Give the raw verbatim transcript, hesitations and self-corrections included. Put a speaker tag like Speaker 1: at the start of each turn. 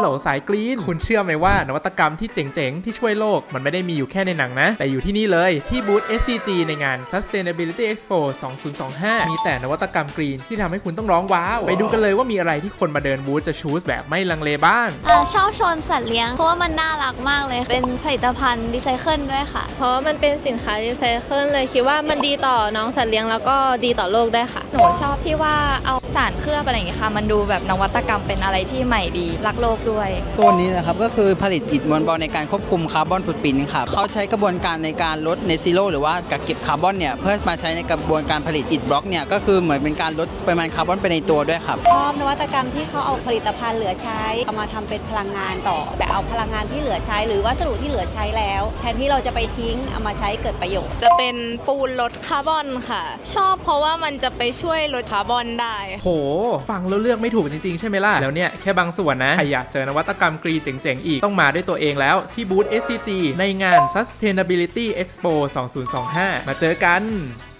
Speaker 1: ลสายกรีนคุณเชื่อไหมว่านวัตกรรมที่เจ๋งๆที่ช่วยโลกมันไม่ได้มีอยู่แค่ในหนังนะแต่อยู่ที่นี่เลยที่บูธ เอส ซี จี ในงาน Sustainability Expo สองพันยี่สิบห้ามีแต่นวัตกรรมกรีนที่ทำให้คุณต้องร้องว้าวไปดูกันเลยว่ามีอะไรที่คนมาเดินบูธจะชูสแบบไม่ลังเลบ้าง
Speaker 2: อ่าชอบชนสัตว์เลี้ยงเพราะว่ามันน่ารักมากเลยเป็นผลิตภัณฑ์รีไซเคิลด้วยค่ะ
Speaker 3: เพราะว่ามันเป็นสินค้ารีไซเคิลเลยคิดว่ามันดีต่อน้องสัตว์เลี้ยงแล้วก็ดีต่อโลกได้ค่ะ
Speaker 4: หนูชอบที่ว่าเอาสารเคลือบอะไรอย่างเงี้ยค่ะมันดูแบบนวัตกรรมเป็นอะไรที่ใหม่ดีรักโลกด้วย
Speaker 5: ตัวนี้นะครับก็คือผลิตอิฐมวลเบาในการควบคุมคาร์บอนฟุตปรินท์ครับเขาใช้กระบวนการในการลดเนซิโร่หรือว่ากักเก็บคาร์บอนเนี่ยเพื่อมาใช้ในกระบวนการผลิตอิฐบล็อกเนี่ยก็คือเหมือนเป็นการลดปริมาณคาร์บอนไปในตัวด้วยครับ
Speaker 6: ชอบนวัตกรรมที่เขาเอาผลิตภัณฑ์เหลือใช้เอามาทำเป็นพลังงานต่อแต่เอาพลังงานที่เหลือใช้หรือวัสดุที่เหลือใช้แล้วแทนที่เราจะไปทิ้งเอามาใช้เกิดประโยชน์
Speaker 3: จะเป็นปูนลดคาร์บอนค่ะชอบเพราะว่ามันจะไปช่วยลดคาร์บอนได้
Speaker 1: โหฟังแล้วเลือกไม่ถูกจริงๆใช่ไหมล่ะแล้วเนี่ยแค่บางส่วนนะใครอยากเจอนวัตกรรมกรีนเจ๋งๆอีกต้องมาด้วยตัวเองแล้วที่บูธ เอส ซี จี ในงาน Sustainability Expo สองพันยี่สิบห้ามาเจอกัน